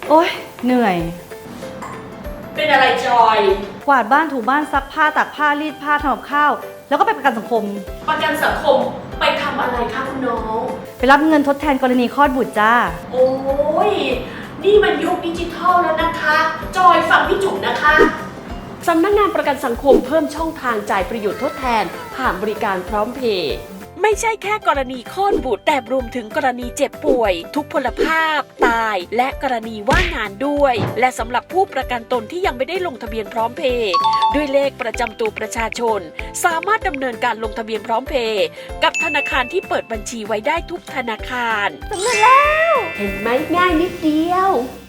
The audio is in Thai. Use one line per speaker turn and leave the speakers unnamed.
โอ๊ยเหนื่อย
เป็นอะไรจอย
กวาดบ้านถูบ้านซักผ้าตากผ้ารีดผ้าทำกับข้าวแล้วก็ไปประกันสังคม
ประกันสังคมไปทำอะไรคะคุณน้อง
ไปรับเงินทดแทนกรณีคลอดบุตรจ้า
โอ้ยนี่มันยุคดิจิทัลแล้วนะคะ จอยฟังพี่จุ๋มนะคะ
สำนักงานประกันสังคมเพิ่มช่องทางจ่ายประโยชน์ทดแทนผ่านบริการพร้อมเพย์ไม่ใช่แค่กรณีคลอดบุตรแต่รวมถึงกรณีเจ็บป่วย ทุกพลภาพ ตาย และกรณีว่างงานด้วย และสำหรับผู้ประกันตนที่ยังไม่ได้ลงทะเบียนพร้อมเพย์ด้วยเลขประจำตัวประชาชน สามารถดำเนินการลงทะเบียนพร้อมเพย์กับธนาคารที่เปิดบัญชีไว้ได้ทุกธนาคารสำเร็จแล้ว เห็นไหมง่ายนิดเดียว